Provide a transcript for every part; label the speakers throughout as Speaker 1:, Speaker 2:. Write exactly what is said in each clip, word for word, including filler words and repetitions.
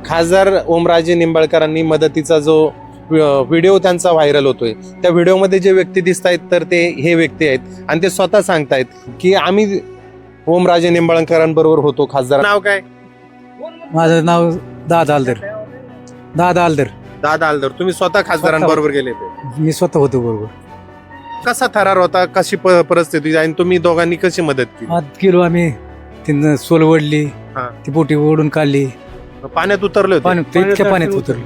Speaker 1: खासदार ओमराजे निंबाळकरांनी मदतीचा जो व्हिडिओ त्यांचा व्हायरल होतोय, त्या व्हिडिओमध्ये जे व्यक्ती दिसत आहेत तर ते हे व्यक्ती आहेत आणि ते स्वतः सांगतायत की आम्ही ओमराजे निंबाळकरांबरोबर होतो. खासदार नाव काय?
Speaker 2: माझं नाव दादा आलदर. दादा आलदर.
Speaker 1: दादा आलदर. तुम्ही स्वतः खासदारांबरोबर गेले होते?
Speaker 2: मी स्वतः होतो बरोबर.
Speaker 1: कसा थरार होता, कशी प- परिस्थिती आणि तुम्ही दोघांनी कशी मदत केली?
Speaker 2: आत गेलो आम्ही, तिथं सोल ओढली,
Speaker 1: हा.
Speaker 2: ती बोटी ओढून काढली,
Speaker 1: पाण्यात उतरले होते?
Speaker 2: पाणी ते इतक्या पाण्यात उतरली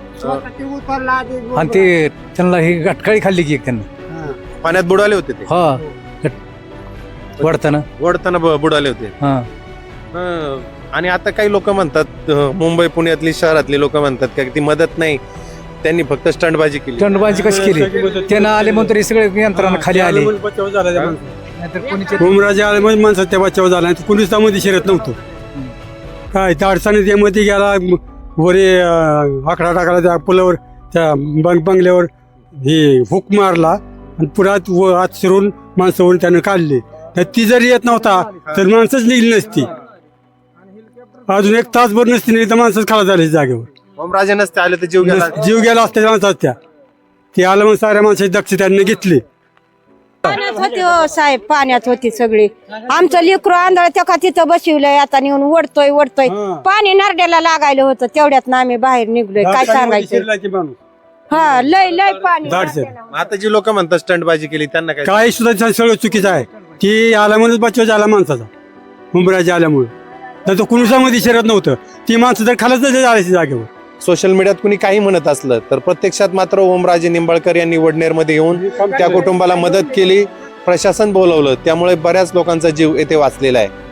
Speaker 2: आणि ते त्यांना ही गटकाळी खाल्ली की एक त्यांना.
Speaker 1: पाण्यात बुडाले होते ते?
Speaker 2: हा वडताना
Speaker 1: वडताना ब- बुडाले होते.
Speaker 2: हा.
Speaker 1: हं. आणि आता काही लोक म्हणतात, अं, मुंबई पुण्यातली शहरातली लोक म्हणतात का ती मदत नाही, त्यांनी फक्त स्टंटबाजी केली.
Speaker 2: दंडबाजी कशी केली, त्यांना आले म्हणून तरी सगळे यंत्रणा खाली आले. नाहीतर कोणीचे
Speaker 3: ओमराजे आले म्हणजे माणसात त्या बचाव झाला, कुणीच त्यामध्ये शिरत नव्हतं. काय त्या अडचणीत त्यामध्ये गेला, वरे अं, आकडा टाकला त्या पुलावर, त्या बंग बंगल्यावर हे हुक मारला आणि पुरात व आत शिरून माणसावरून त्यानं काढले. तर ती जरी येत नव्हता तर माणसंच निघली नसती. अजून एक तासभर नसती नाही तर माणसंच खाला झाली जागेवर.
Speaker 1: ओमराजे नसते आले तर जीव गेला.
Speaker 3: जीव गेला असत्या माणसात त्या. ते आलं मग साऱ्या माणसाची दक्ष त्यांनी घेतली.
Speaker 4: पाण्यात होती हो साहेब, पाण्यात होती सगळी. आमचं लेकरू आंधळ त्या का तिथं बसवलंय, आता नेऊन ओढतोय ओढतोय. पाणी नरड्याला लागायला होतं, तेवढ्यात ना आम्ही बाहेर निघलोय. काय सांगायचं? हा, लय लय पाणी.
Speaker 1: आता जी लोक म्हणतात स्टंटबाजी केली त्यांना काय?
Speaker 3: काही सुद्धा सगळं चुकीचं आहे. ती आल्यामुळेच बचाव झाला माणसाचा, उमराजे आल्यामुळे. तर तो कुणीसामध्ये शिरत नव्हतं, ती माणसं तर खालच झाली जागेवर.
Speaker 1: सोशल मीडियात कुणी काही म्हणत असलं तर प्रत्यक्षात मात्र ओमराजे निंबाळकर यांनी वडनेरमध्ये येऊन त्या कुटुंबाला मदत केली, प्रशासन बोलवलं, त्यामुळे बऱ्याच लोकांचा जीव येथे वाचलेला आहे.